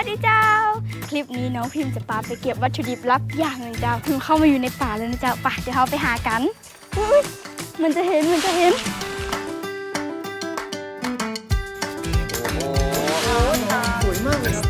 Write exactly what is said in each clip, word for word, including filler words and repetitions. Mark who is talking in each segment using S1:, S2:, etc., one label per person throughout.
S1: วัสดีเจ้าคลิปนี้น้องพิมพ์จะพาไปเก็บวัตถุดิบลับอย่างหนึ่งเจ้าพิมพ์เข้ามาอยู่ในป่าแล้วนะเจ้าป่ะเดี๋ยวเราไปหากันอุ๊ยมันจะเห็นมันจะเห็น
S2: โอ้โหสวยมากเลยครับ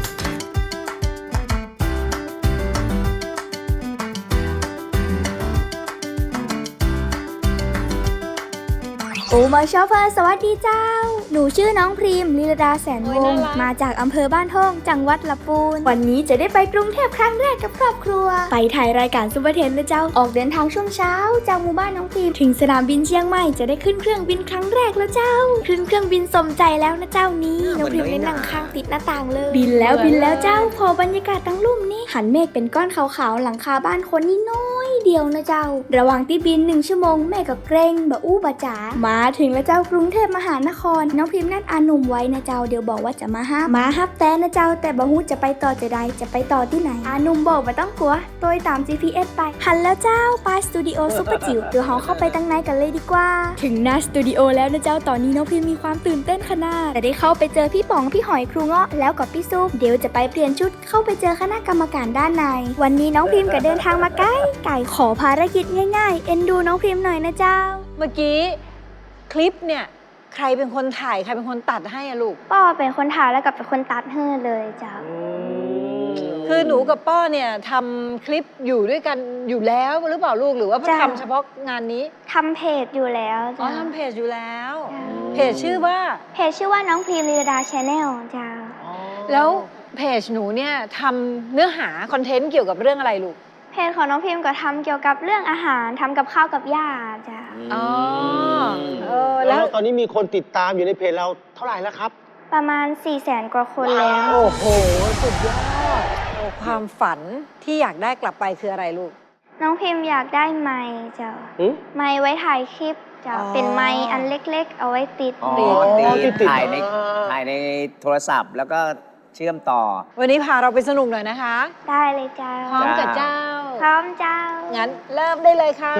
S1: โอ้มาชอปเปอร์สวัสดีเจ้าหนูชื่อน้องพรีมลีลาดาแสนวงศ์มาจากอำเภอบ้านท่องจังหวัดลำพูนวันนี้จะได้ไปกรุงเทพครั้งแรกกับครอบครัวไปถ่ายรายการซุปเปอร์เทนนะเจ้าออกเดินทางช่วงเช้าจากหมู่บ้านน้องพรีมถึงสนามบินเชียงใหม่จะได้ขึ้นเครื่องบินครั้งแรกแล้วเจ้าขึ้นเครื่องบินสมใจแล้วนะเจ้านี้น้องพรีมได้นั่งข้างติดหน้าต่างเลยบินแล้วบินแล้วเจ้าพอบรรยากาศทั้งลุ่มนี้หันเมฆเป็นก้อนขาวๆหลังคาบ้านคนนี่น้อยเดียวนะเจ้าระหว่างที่บินหนึ่งชั่วโมงแม่ก็เกรงบะอู้บะจ๋ามาถึงแล้วเจ้ากรุงเทพมหานครน้องพิมพ์นัดอาหนุ่มไว้นะเจ้าเดี๋ยวบอกว่าจะมาฮับมาฮับแต่นะเจ้าแต่บะฮู้จะไปต่อจะใดจะไปต่อที่ไหนอาหนุ่มบอกว่าต้องกลัวโดยตาม จี พี เอส ไปหันแล้วเจ้าไปสตูดิโอซุปเปอร์จิ๋วเดี๋ยวเราเข้าไปตั้งในกันเลยดีกว่าถึงหน้าสตูดิโอแล้วนะเจ้าตอนนี้น้องพิมพ์มีความตื่นเต้นขนาดแต่ได้เข้าไปเจอพี่ป๋องพี่หอยครูเงาะแล้วกับพี่ซุปเดี๋ยวจะไปเปลี่ยนชุดเข้าไปเจอคณะกรรมการด้านในวันนี้น้องพิมพ์ก็เดินทางมาใกล้ไก่ขอภารกิจง่ายๆเอ็นดูน้องพิมพ์หน่อยนะเจ้า
S3: เมื่อกี้คลิปเนี่ยใครเป็นคนถ่ายใครเป็นคนตัดให้อะลูก
S1: ป้อเป็นคนถ่ายแล้วกับเป็นคนตัดให้เลยเจ้า
S3: คือหนูกับป้อเนี่ยทำคลิปอยู่ด้วยกันอยู่แล้วหรือเปล่าลูกหรือว่าทำเฉพาะงานนี้
S1: ทำเพจอยู่แล้ว
S3: อ๋อทำเพจอยู่แล้วเพจชื่อว่า
S1: เพจชื่อว่าน้องพรีมลีลาดาชาแนลเจ้า
S3: แล้วเพจหนูเนี่ยทำเนื้อหาคอนเทนต์เกี่ยวกับเรื่องอะไรลูก
S1: เพจของน้องพิมก็ทำเกี่ยวกับเรื่องอาหารทำกับข้าวกับย่าจ้ะ
S3: อ๋อ
S2: เออแล้วตอนนี้มีคนติดตามอยู่ในเพจเราเท่าไหร่แล้วครับ
S1: ประมาณ สี่แสน กว่าคนแล้ว
S3: โอ้โหสุดยอดความฝันที่อยากได้กลับไปคืออะไรลูก
S1: น้องพิมอยากได้ไมค์จ้ะไมค์ไว้ถ่ายคลิปจ้ะเป็นไมค์อันเล็กๆเอาไว้ติด
S4: ติดถ่ายในถ่ายในโทรศัพท์แล้วก็เชื่อมต่อ
S3: วันนี้พาเราไปสนุกหน่อยนะคะ
S1: ได้เลยเจ้า
S3: พร้อมกับเจ้า
S1: พร้อมเจ้า
S3: งั้นเริ่มได้เลยค่ะ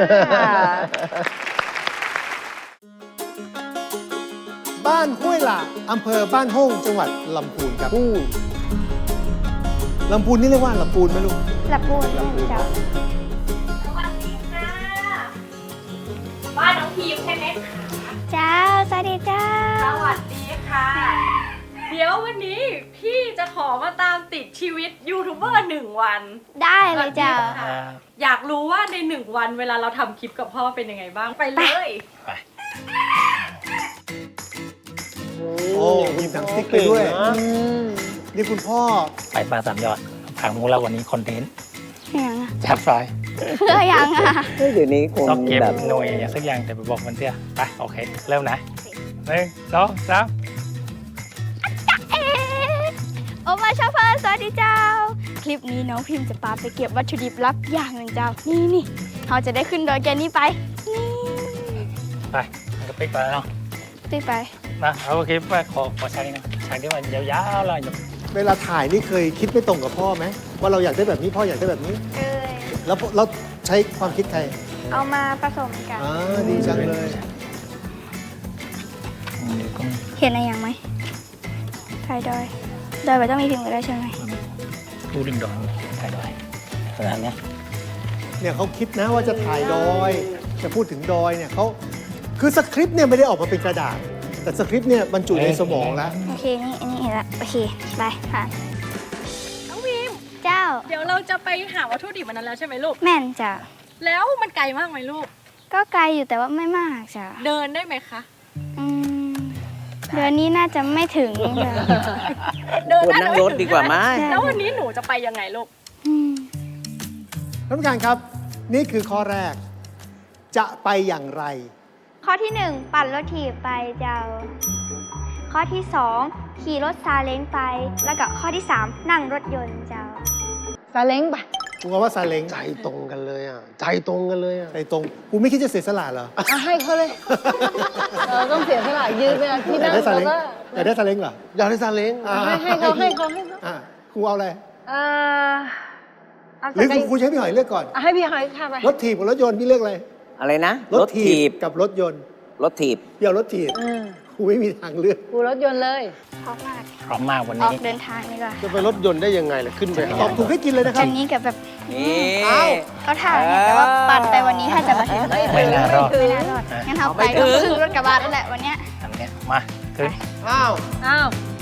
S2: บ้านห้วยหลาอำเภอบ้านฮ่องจังหวัดลำพูนครับลำพูนนี่เรียกว่าลำพูนไหมลูก
S1: ลำพูนเจ้า
S5: สวัสดีค่ะบ้านน้องพิมใช่ไหมคะ
S1: เจ้าสวัสดีเจ้า
S5: สวัสดีค่ะเดี๋ยววันนี้พี่จะขอมาตามติดชีวิตยูทูบเบอร์หนึ่งวัน
S1: ได้เลยเจ้า
S5: อยากรู้ว่าในหนึ่งวันเวลาเราทำคลิปกับพ่อเป็นยังไงบ้างไปเลยไป
S2: โอ้มีหนังสติ๊กไปด้วยนี่คุณพ่อ
S6: ไปปลาสามยอดผังมุกแล้ววันนี้คอนเทนต์
S1: ยัง
S6: จับไฟ
S1: เพื่อยังอ่ะ
S4: เดี๋ยวนี้คง
S6: ต้องเก็บหน่วยอย่างสักอย่างแต่ไปบอกมันเสียไปโอเคเริ่มนะหนึ่งสองสาม
S1: โอมาชอปเปอร์สวัสดีเจ้าคลิปนี้น้องพิมจะพาไปเก็บวัตถุดิบลับอย่างหนึ่งเจ้านี่นี่เราจะได้ขึ้นดอยแกนี้ไปนี่
S6: ไปมันก็ปิ๊กไปแล้วเนาะ
S1: ปิ๊กไป
S6: มาเอาโอเคไปขอขอฉากนี้นะฉากที่มันยาวๆเลย
S2: เวลาถ่ายนี่เคยคิดไม่ตรงกับพ่อไหมว่าเราอยากได้แบบนี้พ่ออยากได้แบบนี้
S1: เคย
S2: แล้วเราใช้ความคิดใคร
S1: เอามาผสมกัน
S2: อ๋อดีจังเลย
S1: เห็นอะไรอย่างไหมถ่ายดอยดอยไปต้องมีพิมพ์กันได้ใช่ไหม
S6: ดูดึงดอยถ่ายดอยขนาดนี้
S2: เนี่ยเขาคิดนะว่าจะถ่ายดอยจะพูดถึงดอยเนี่ยเขาคือสคริปต์เนี่ยไม่ได้ออกมาเป็นกระดาษแต่สคริปต์เนี่ยบรรจุในสมองแล้ว
S1: โอเคนี่อันนี้เห็นละโอเคไปค่ะ
S5: น้องพิม
S1: เจ้า
S5: เดี๋ยวเราจะไปหาวัตถุดิบมันนั้นแล้วใช่ไหมลูก
S1: แม่นจ้ะ
S5: แล้วมันไกลมากไหมลูก
S1: ก็ไกลอยู่แต่ว่าไม่มากจ้ะ
S5: เดินได้ไหมคะ
S1: อืมเดือนนี้น่าจะไม่ถึง
S4: เดินนั่งรถดีกว่าไหม
S5: แล้ววันนี้หนูจะไปยังไงลูก
S2: ท่านผู้การครับนี่คือข้อแรกจะไปอย่างไร
S1: ข้อที่หนึ่งปั่นรถถีบไปเจ้าข้อที่สองขี่รถซาเล้งไปแล้วก็ข้อที่สามนั่งรถยนต์เจ้า
S3: ซาเล้งไป
S2: กูว่าซาเล้ง
S7: ใจตรงกันเลยอ่ะใจตรงกันเลยอ่ะ
S2: ใจตรงกูไม่คิดจะเสียสละเหรอ
S3: ให้เขาเลยเออต้องเสียสละยืนเวลาที่นั่ง
S2: แล้วก็อยากได้ซาเล้งเหรอ
S7: อยากได้ซาเล้ง
S3: ให้ให้เขาให้เขาให้เขา
S2: ครูเอาอะไร
S3: เออ
S2: หรือครูใช้พี่หอยเลือกก่อน
S3: ให้พี่หอยค่ะไป
S2: รถถีบกับรถยนต์พี่เลือกอะไร
S4: อะไรนะ
S2: รถถีบกับรถยนต์
S4: รถถีบ
S2: เดี๋ยวรถถีบครูไม่มีทางเลือก
S3: กูรถยนต์เลย
S1: พร้อมมาก
S6: พร้อมมากวัน
S1: ออ
S6: นี้
S1: กเดินทางดีกว่า
S7: จะไปรถยนต์ได้ยังไงล่ะขึ้นไป
S2: ตอบถูกให้กินเลยนะครั
S1: อั
S2: บ
S1: นนี้กับแบบ
S4: นี่
S1: เขาถ่ายให้แต่ว่าปั่นไปวันนี้ถ้าจะมาถึง
S6: ไม่น่ารอด
S1: ไม่น่ารอดงั้นเอาไปก็ขึ้นรถกระบะนั่นแหละวันเนี้ย
S6: อันเนี้ยมาขึ้น
S7: อ้าว
S3: อ้าว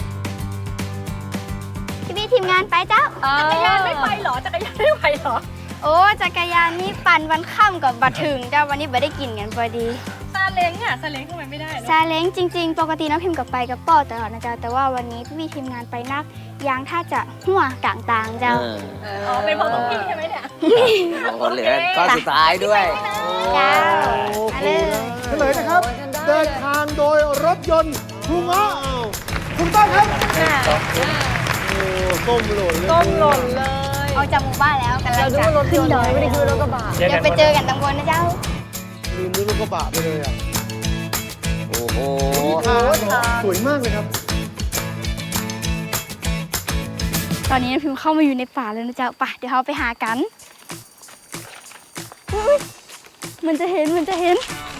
S1: พี่พี่ทีมงานไปเจ้า
S5: จักรยานไม่ไปเหรอ จักรยานไม่ไปเหรอ
S1: โอ้จักรยานนี่ปั่นวันค่ำกับบัตรถึงเจ้าวันนี้ไม่ได้กินกันพอดี
S5: ซาเล้งอ่ะ ซาเล้งทำไมไม่ได้
S1: ซาเล้งจริง ๆ ปกติน้องพิมพ์กับไปกับป้อตลอดนะจ๊ะแต่ว่าวันนี้พี่ๆทีมงานไปนักยางถ้าจะหัวกลางตางเจ้า
S4: เออ
S5: อ๋อ เป็นเพราะของพี่ใช่ไหมเนี่ย
S4: โอ้เหลือก้อนสุดท้ายด้วย
S1: เจ้ามาเลย
S2: เฉลยนะครับ เดินทางโดยรถยนต์ครูเงาะถูกต้องครับ
S7: โอ้ก้มหล่นเลย
S3: ก้มหล่นเลย
S1: ออกจากหมู่บ้านแล้วกันแล้
S3: เรา
S1: ว
S3: ดู
S1: จะ
S3: ว่ารถย
S1: ขึ้น
S3: นต์
S1: ดอย
S3: ไม่ได้คือรถกระบะ
S6: เดี๋ยว
S1: เดี๋ยวไปเจอกันตรงบนนะเจ้า
S7: ลืมรถกระบะไปเลยอ่ะ
S4: โอ้โห
S2: สวยมากเลยครับ
S1: ตอนนี้น้องพิมพ์เข้ามาอยู่ในป่าแล้วนะเจ้าป่ะเดี๋ยวเราไปหากันอุ๊ยมันจะเห็นมันจะเห็น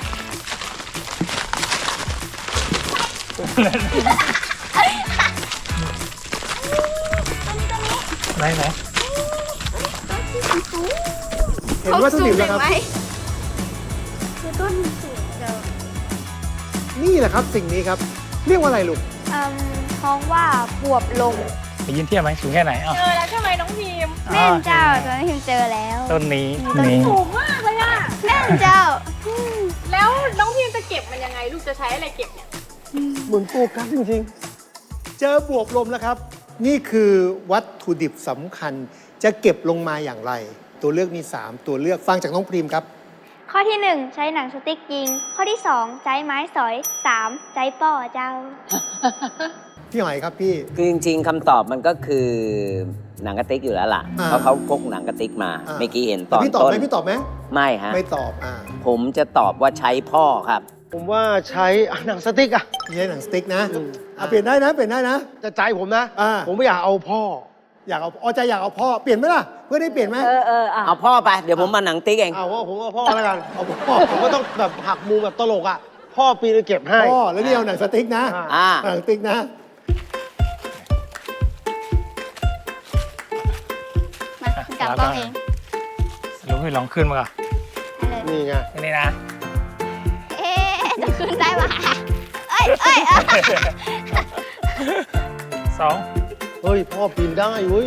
S6: ไหนไหน
S2: เห็นว่าสนิมแล้วครับ
S1: เขาสูงเห็นไหมคือต้นมันสูงเจ้า
S2: นี่แหละครับสิ่งนี้ครับ เรียกว่าอะไรลูก
S1: เอ่มเพราะว่าบวบลง
S6: ไปยินเทียบไหมสูงแค่ไหนอ้าว
S5: เจอแล้วใช่ไหมน้องพิมพ์
S1: แม่นเจ้าตอนนี้พิมพ์เจอแล้ว
S6: ต้นนี้
S1: ต้น
S6: นี้
S5: สูงมากเลยอ่ะ
S1: แม่นเจ้า
S5: แล้วน้องพิมพ์จะเก็บมันยังไง ลูกจะใช้อะไรเก็บเนี่ย
S2: เหมือนโฟกัสจริงๆ เจอบวบลมแล้วครับ นี่คือวัตถุดิบสำคัญ จะเก็บลงมาอย่างไร ตัวเลือกมี สาม ตัวเลือกฟังจากน้องพรีมครับ
S1: ข้อที่หนึ่งใช้หนังสติ๊กยิง ข้อที่สองใช้ไม้สอยสามใช้ป้อเจ้า
S2: พี่หอยครับพี่
S4: คือจริงๆคำตอบมันก็คือหนังกระติกอยู่แล้วล่ะ
S2: อ่า
S4: เพราะเขาพกหนังกระติกมา
S2: อ่า
S4: เมื่อกี้เห็นต
S2: แต่
S4: อน
S2: พี่ตอบ
S4: ต้น
S2: ไหมพี่ตอบไหม
S4: ไม่ฮะ
S2: ไม่ตอบอ่า
S4: ผมจะตอบว่าใช้พ่อครับ
S7: ผมว่าใช้อ่ะหนังสติ๊กอ่ะ
S2: ไม่ใช่หนังสติ๊กนะ
S7: อืม
S2: อ่ะเปลี่ยนได้นะเปลี่ยนได้นะ
S7: จะใจผมนะ
S2: อ่า
S7: ผมไม่อยากเอาพ่อ
S2: อยากเอาอ๋อใจอยากเอาพ่อเปลี่ยนไหมล่ะเพื่อได้เปลี่ยนไหม
S3: เออเอออ่ะ
S4: เอาพ่อไป เดี๋ยวผมมาหนังติ๊กเอง
S7: เอาว่าผมเอาพ่อแล้วกัน
S2: เอาพ่อ
S7: ผมก็ต้องแบบหักมุมแบบตลกอ่ะ พ่อปีนเก็บให้
S2: พ่อแล้วนี่เอาหนังสติ๊กนะ
S7: อ่า
S4: อ่า
S2: หนังสติ๊กนะ
S1: มาคุณกลับป้องเอง
S6: สรุปให้ลองขึ้นมาก่อน
S1: ให้เลย
S7: นี่ไง
S6: นี่นะ
S1: เอ๊ะจะขึ้นได้ปะเอ้ยเอ้ยเอ้ย
S6: สอง
S7: เฮ้ย พ่อปีนได้เว้ย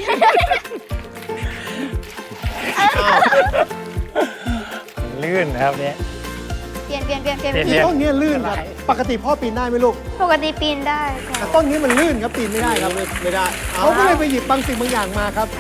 S6: ลื่นนะครับเนี่ย
S1: เปลี่ยนเปลี่ยนเปลี่ยนเปลี่ยน
S6: เปลี่ยน
S2: ปีต้นเนี้ยลื่นครับ ปกติพ่อปีนได้ไหมลูก
S1: ปกติปีนได้ค่ะ
S2: แต่ต้นนี้มันลื่นครับปีนไม่ได้ครับ
S7: ไม่ได้
S2: เขาก็เลยไปหยิบบางสิ่งบางอย่างมาครับ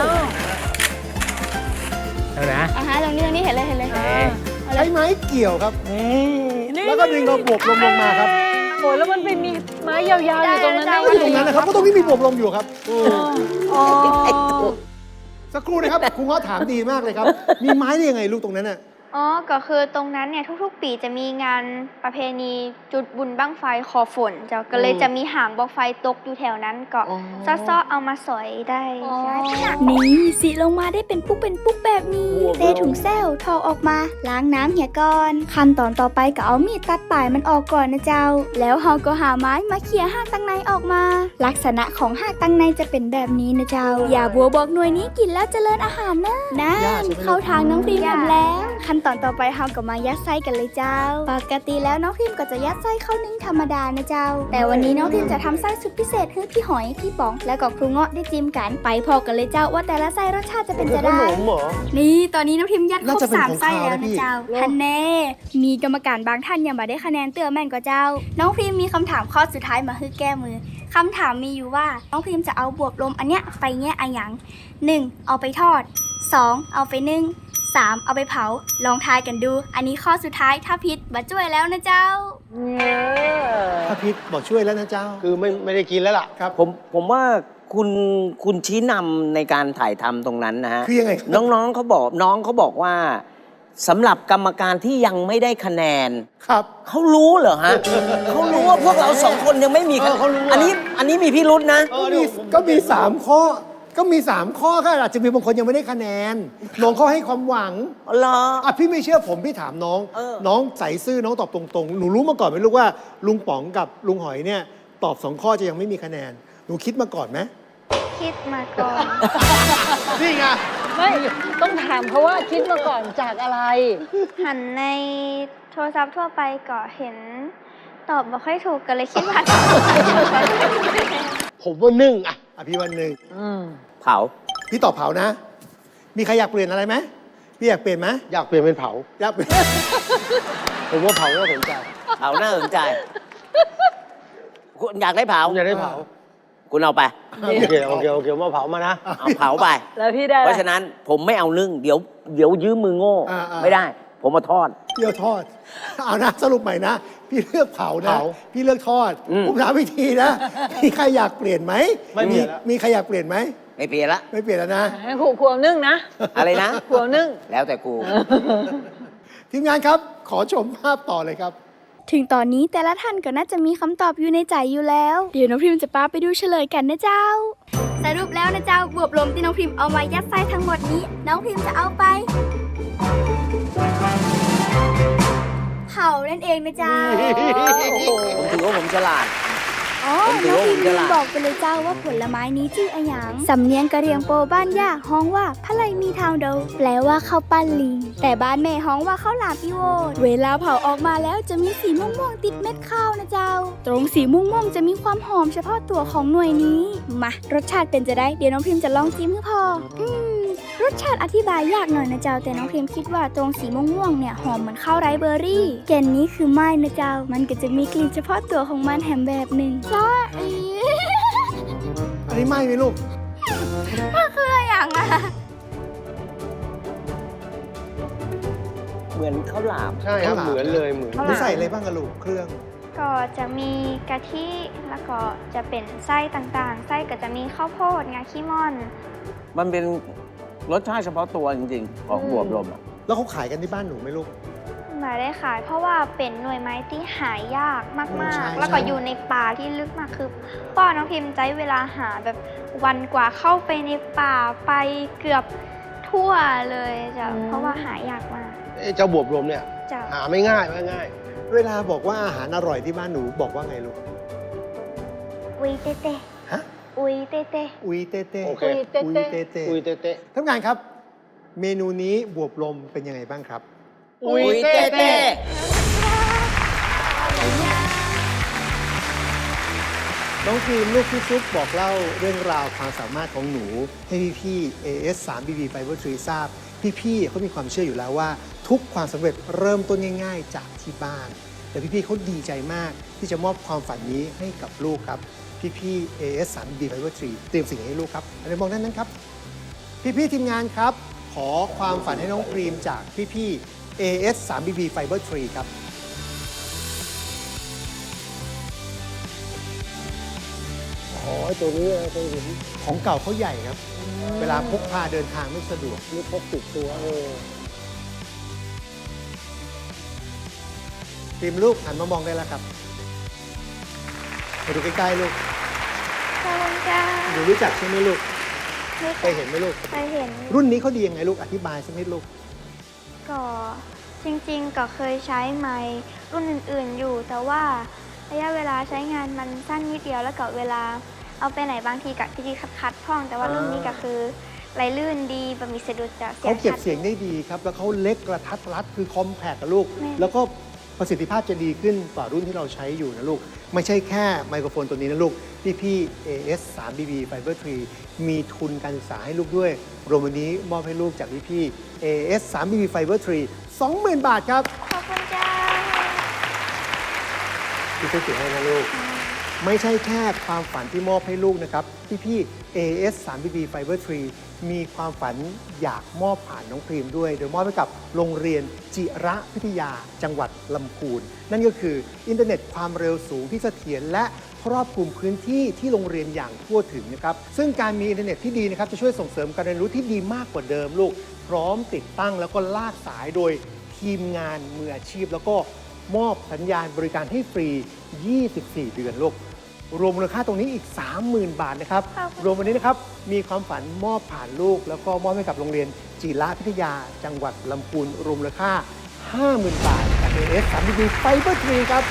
S6: เอานะ
S1: อ่าฮะตรงนี้ตรงนี้เห็นเลยเห็นเลย
S6: เอ๊ะ
S1: เอาเล
S2: ใช้
S1: ย
S2: ไม้เกี่ยวครับ แล้วก็ดึงเอาบวบลมลงมาครับ
S3: โอ้ยแล้วมันไปมีไม้ยาวๆอยู่ตรงนั้นได้
S2: ก็อยู่ตรงนั้นนะครับก็ตรงนี้มีบวบลมอยู่ครับ
S3: อ๋อ
S2: สักครู่นะครับครูง้อถามดีมากเลยครับ มีไม้ได้ยังไงลูกตรงนั้นน่ะ
S1: อ๋อ ก็คือตรงนั้นเนี่ยทุกๆ ปีจะมีงานประเพณีจุดบุญบั้งไฟคอฝนเจ้าก็เลยจะมีหางบอกไฟตกอยู่แถวนั้นก็ซ้อๆเอามาสอยได้ใช่นี่สีลงมาได้เป็นปุ๊กเป็นปุ๊กแบบนี้เทถุงแซวทอออกมาล้างน้ำเหี่ยก่อนขั้นตอนต่อไปก็เอามีดตัดปลายมันออกก่อนนะเจ้า แล้วเราก็หาไม้มาเขี่ยหากตังในออกมา ลักษณะของหากตังในจะเป็นแบบนี้นะเจ้า อย่าบัวบอกหน่วยนี้กินแล้วเจริญอาหารนะนั่นเข้าทางน้องพรีมทำแล้วขั้นตอนต่อไปเราก็มายัดไส้กันเลยเจ้า ปกติแล้วน้องพิมก็จะยัดไส้ข้าวนึ่งธรรมดานะเจ้า แต่วันนี้น้องพิมจะทำไส้สุดพิเศษให้พี่หอย พี่ป๋อง แล้วก็ครูเงาะได้จิ้มกัน ไปพอกันเลยเจ้าว่าแต่ละไส้รสชาติจะเป็นจะ
S7: ข
S1: ได้
S7: นมเหรอ
S1: นี่ตอนนี้น้องพิมยัดคร
S2: น่า
S1: บ
S2: จะเป็น
S1: สาม
S2: ของ
S1: ไส้
S2: คาว
S1: แล้ว
S2: นะพี่
S1: นะเจ้าฮันแน่มีกรรมการบางท่านยังมาได้คะแนนเตือแม่นกว่าเจ้า น้องพิมมีคำถามข้อสุดท้ายมาให้แก้มือคำถามมีอยู่ว่าน้องพิมจะเอาบวบลมอันเนี้ยไปแง่อะหยังหนึ่งเอาไปทอดสองเอาไปนึ่งสามเอาไปเผาลองทายกันดู อันนี้ข้อสุดท้ายถ้าผิดบัดช่วยแล้วนะเจ้า
S2: พระพิษบอกช่วยแล้วนะเจ้า
S7: คือไม่ไม่ได้กินแล้วล่ะ
S2: ครับ
S4: ผมผมว่าคุณคุณชี้นำในการถ่ายทำตรงนั้นนะฮะ
S2: คือยังไงครับ
S4: น้องๆเขาบอกน้องเขาบอกว่าสำหรับกรรมการที่ยังไม่ได้คะแนน
S2: ครับ
S4: เขารู้เหรอฮะ เขารู้ว่าพวกเราสองคนยังไม่มีคะ
S7: เออเขารู้อะ
S4: อันนี้อันนี้มีพิรุษนะ
S7: เอ
S2: ก็
S7: อ
S2: มี
S7: เดี๋ยวผม
S2: ก็มีสามข้อก็มี สาม ข้อก็อาจจะมีบางคนยังไม่ได้คะแนน น้องเขาให้ความหวัง
S4: อ๋อเหรอ
S2: อ่ะพี่ไม่เชื่อผมพี่ถามน้อง
S4: เออ
S2: น้องใส่ซื่อน้องตอบตรงๆ หนูรู้มาก่อนไหมลูกว่าลุงป๋องกับลุงหอยเนี่ยตอบสองข้อจะยังไม่มีคะแนน หนูคิดมาก่อนไหม
S1: คิดมาก่อน
S2: นี่ไง
S3: ไม่ต้องถามเขาว่าคิดมาก่อนจากอะไร
S1: หันในโทรศัพท์ทั่วไปก็เห็น ตอบบ่ค่อยถูกก็เลยคิดว่า
S7: ผมว่านึ่งอะ
S2: อ่ะพี่วันหนึ่ง
S3: อืม
S4: เผา
S2: พี่ตอบเผานะ มีใครอยากเปลี่ยนอะไรไหมพี่อยากเปลี่ยนไหม
S7: อยากเปลี่ยนเป็นเผา
S2: อยากเปลี่ยน
S7: ผมว่าเผาน่าสนใจ
S4: เผาน่าสนใจ คุณอยากได้เผา
S7: ผมอยากได้เผา
S4: คุณเอาไป
S7: โอเคโอเคโอเคผมว่าเผามานะ
S4: เอาเผาไป
S3: แล้วพี่ได้อะไร
S4: เพราะฉะนั้นผมไม่เอานึ่ง เดี๋ยวเดี๋ยวยืมมือโง่
S2: อ่าอ่า
S4: ไม่ได้ ผมมาทอด
S2: พี่เอาทอด เอานะสรุปใหม่นะ พี่เลือกเผานะ
S7: เผา
S2: พี่เลือกทอด
S4: อืม
S2: ผมถามวิธีนะ มีใครอยากเปลี่ยนไหม
S7: ไม่เปลี่ยนแล้ว
S2: มีใครอยากเปลี่ยนไหม
S4: ไม่เปลี่ยนละ
S2: ไม่เปลี่ยนแล้วนะ
S3: ให้ครูควงนึ่งนะ
S4: อะไรนะ
S3: ควงนึ่ง
S4: แล้วแต่กู
S2: ทีมงานครับ ขอชมภาพต่อเลยครับ
S1: ถึงตอนนี้แต่ละท่านก็น่าจะมีคำตอบอยู่ในใจอยู่แล้ว เดี๋ยวน้องพิมจะป้าไปดูเฉลยกันนะเจ้า สรุปแล้วนะเจ้าบวบลมที่น้องพิมเอามายัดไส้ทั้งหมดนี้ น้องพิมจะเอาไปเผานั่นเองนะเจ้า
S4: ผมถือว่าผมฉลาด
S1: อ๋อ
S4: ผมถือ
S1: น้อง
S4: ว่า
S1: พิม
S4: ผม
S1: ลื
S4: ฉ
S1: ม
S4: ลาด
S1: บอกไปเลยเจ้าว่าผลไม้นี้ชื่ออะหยังสำเนียงกะเหรี่ยงโปบ้านย่าฮ้องว่าพะไลมีทางเดาแปลว่าข้าวปั้นลิง แต่บ้านแม่ฮ้องว่าข้าวหลามอีโวดเวลาเผาออกมาแล้วจะมีสีม่วงๆติดเม็ดข้าวนะเจ้า ตรงสีม่วงๆจะมีความหอมเฉพาะตัวของหน่วยนี้ มารสชาติเป็นจะได้เดี๋ยวน้องพิมจะลองจิ้มให้พอ อืมรสชาติอธิบายยากหน่อยนะเจ้าแต่น้องพิมคิดว่าตรงสีม่วงๆเนี่ยหอมเหมือนข้าวไรซ์เบอร์รี่แก่นนี้คือไม้นะเจ้า มันก็จะมีกลิ่นเฉพาะตัวของมันแถมแบบหนึ่งจ้าอี
S2: อันนี้ไหม้ไหมลูก
S1: มันคืออะไรอย่างอะ
S4: เหมือนข้าวหลาม
S7: ใช่ครับ
S2: ข้าวหลาม
S7: เหมือนเลยเหมือน
S2: หนูใส่อะไรบ้างอะลูกเครื่อง
S1: ก็จะมีกะทิแล้วก็จะเป็นไส้ต่างๆ ไส้ก็จะมีข้าวโพดงาขี้ม่อน
S4: มันเป็นรสชาติเฉพาะตัวจริงๆ ของบวบลมอะ
S2: แล้วเขาขายกันที่บ้านหนูไหมลูก
S1: มาได้ขายเพราะว่าเป็นหน่วยไม้ที่หายากมา
S2: ใช่
S1: กๆ แล้วก็
S2: ใช่
S1: อยู่ในป่าที่ลึกมากคือป้อน้องพิมพ์ใช้เวลาหาแบบวันกว่าเข้าไปในป่าไปเกือบทั่วเลยจ้ะ
S3: อืม
S1: เพราะว่าหายากมาก
S7: เอ้เจ้าบวบรวมเนี่ย
S1: จ้ะ
S7: หาไม่ง่ายไม่ง่าย
S2: เวลาบอกว่าอาหารอร่อยที่บ้านหนูบอกว่าไงลูก
S1: อุยเตเต
S2: ฮะ
S1: อุยเตเต
S2: อุยเตเต้
S7: โอเค
S3: อุยเต้
S2: อุย
S3: เต้
S2: เต้เต้
S7: อุยเตะเตะ
S2: ท่านผู้การครับ เมนูนี้บวบลมเป็นยังไงบ้างครับ
S7: อุยเต้เต้
S2: น้องครีมลูกพี่ซุปบอกเล่าเรื่องราวความสามารถของหนู ให้พี่ๆ เอ เอส ทรี บี บี Fiber ทรี ทราบ พี่ๆเขามีความเชื่ออยู่แล้วว่า ทุกความสำเร็จเริ่มต้นง่าย ๆ จากที่บ้าน แต่พี่ๆเขาดีใจมากที่จะมอบความฝันนี้ให้กับลูกครับ พี่ๆ เอ เอส ทรี บี บี Fiber ทรี เตรียมสิ่งให้ลูกครับอะไรมองด้านนั้นครับ พี่ๆทีมงานครับ ขอความฝันให้น้องครีมจากพี่ๆ เอ เอส ทรี บี บี Fiber ทรี ครับ
S7: อ๋อไอ้ตัวนี้เคยเห็น
S2: ของเก่าเขาใหญ่ครับ เวลาพกพาเดินทางไม่สะดวก
S7: นี่พกติดตัวเออ
S2: ทีมลูกหันมามองได้แล้วครับมาดูใกล้ๆลูก
S1: ขอบคุณจ้า
S2: หนูรู้จักใช่ไหมลูก
S1: ไม่
S2: เคยเห็นไหมลูก
S1: เคยเห็น
S2: รุ่นนี้เขาดียังไงลูก อธิบายสักนิดลูก
S1: ก็จริงๆก็เคยใช้ไม้รุ่นอื่นๆอยู่ แต่ว่าระยะเวลาใช้งานมันสั้นนิดเดียวแล้วก็เวลาเอาไปไหนบางทีกับที่คัดๆพ่อง แต่ว่ารุ่นนี้ก็คือไหลลื่นดีบะมีสะดุดจะเสีย
S2: เขา
S1: ง
S2: เก็บ
S1: ชัด
S2: เสียงได้ดีครับ แล้วเขาเล็กกระทัดรัดคือคอมแพคกับลูก
S1: แม่
S2: แล้วก็ประสิทธิภาพจะดีขึ้นกว่ารุ่นที่เราใช้อยู่นะลูก ไม่ใช่แค่ไมโครโฟนตัวนี้นะลูก พี่พี่ เอ เอส ทรี บี บี Fiber ทรี มีทุนการศึกษาให้ลูกด้วย รวมวันนี้มอบให้ลูกจากพี่พี่ เอ เอส ทรี บี บี Fiber ทรี สองหมื่น บาทครับ
S1: ขอบคุณจ้า
S2: พี่ช่วยเขียนให้นะลูก ไม่ใช่แค่ความฝันที่มอบให้ลูกนะครับ พี่พี่ เอ เอส ทรี บี บี Fiber ทรี มีความฝันอยากมอบผ่านน้องครีมด้วย โดยมอบให้กับโรงเรียนจิระพิทยาจังหวัดลำพูน นั่นก็คืออินเทอร์เน็ตความเร็วสูงที่เสถียรและครอบคลุมพื้นที่ที่โรงเรียนอย่างทั่วถึงนะครับ ซึ่งการมีอินเทอร์เน็ตที่ดีนะครับจะช่วยส่งเสริมการเรียนรู้ที่ดีมากกว่าเดิมลูก พร้อมติดตั้งแล้วก็ลากสายโดยทีมงานมืออาชีพ แล้วก็มอบสัญญาณบริการให้ฟรี ยี่สิบสี่ เดือนลูกรวมมูลค่าตรงนี้อีก สามหมื่น บาทนะครับ
S1: ครับ
S2: รวมวันนี้นะครับมีความฝันมอบผ่านลูก แล้วก็มอบให้กับโรงเรียนจิระพิทยาจังหวัดลำพูนรวมมูลค่า ห้าหมื่น บาทจาก เอ เอส สาม บี บี Fiber ทรี ครับ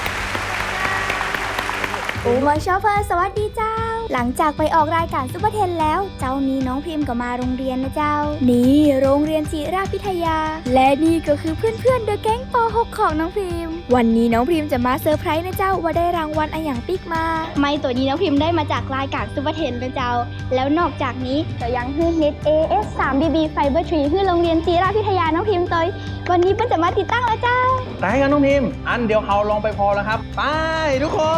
S1: โอมาชอปเปอร์สวัสดีเจ้า หลังจากไปออกรายการซุปเปอร์เทนแล้ว เจ้านี้น้องพิมพ์ก็มาโรงเรียนนะเจ้า นี่โรงเรียนจิราพิทยา และนี่ก็คือเพื่อนๆเดอะแก๊งป หก ของน้องพิมพ์ วันนี้น้องพิมพ์จะมาเซอร์ไพรส์นะเจ้าว่าได้รางวัลอะไรอย่างปิ๊กมา
S8: ไม่ตัวนี้น้องพิมพ์ได้มาจากรายการซุปเปอร์เทนนะเจ้า แล้วนอกจากนี้ก็ยังฮื้อเน็ต เอ เอส สาม บี บี Fiber ทรีฮื้อโรงเรียนจีราพิทยาน้องพิมพ์ตัววันนี้เพิ่นจะมาติดตั้งแล้วเจ้า
S9: ได้กันน้องพิมพ์ อันเดียวเขาลองไปพอแล้วครับ ไปทุกคน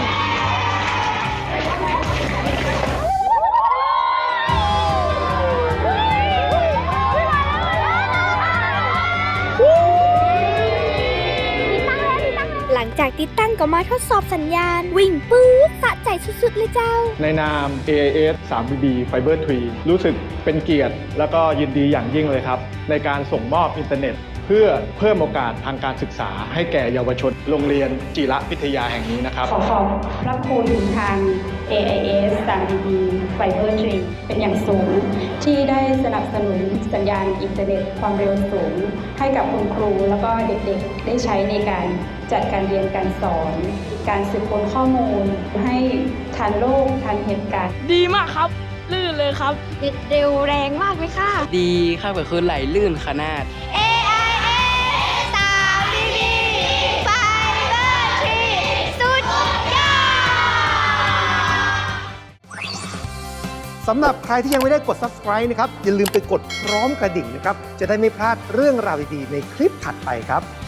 S1: หลังจากติดตั้งก็มาทดสอบสัญญาณ วิ่งปื๊ดสะใจสุดๆเลยเจ้า
S10: ในนาม เอ เอส สาม บี บี Fiber ทรี รู้สึกเป็นเกียรติ แล้วก็ยินดีอย่างยิ่งเลยครับ ในการส่งมอบอินเทอร์เน็ต เพื่อเพิ่มโอกาสทางการศึกษาให้แก่เยาวชนโรงเรียนจิระพิทยาแห่งนี้นะครับ
S11: ขอขอบพระคุณทาง เอ ไอ เอส สาม บี บี Fiber ทรี เป็นอย่างสูง ที่ได้สนับสนุนสัญญาณอินเทอร์เน็ตความเร็วสูง ให้กับคุณครูแล้วก็เด็กๆ ได้ใช้ในการจัดการเรียนการสอน การสืบค้นข้อมูล ให้ทันโลกทันเหตุการณ์
S5: ดีมากครับ ลื่นเลยครับเน็ตเร็วแรงมากเลยค่ะ
S9: ดีค่ะก็คือไหลลื่นขนาด
S8: เอ ไอ เอส สาม บี บี Fiber ทรี สุดยอด
S2: สำหรับใครที่ยังไม่ได้กด Subscribe นะครับ อย่าลืมไปกดพร้อมกระดิ่งนะครับ จะได้ไม่พลาดเรื่องราวดีๆในคลิปถัดไปครับ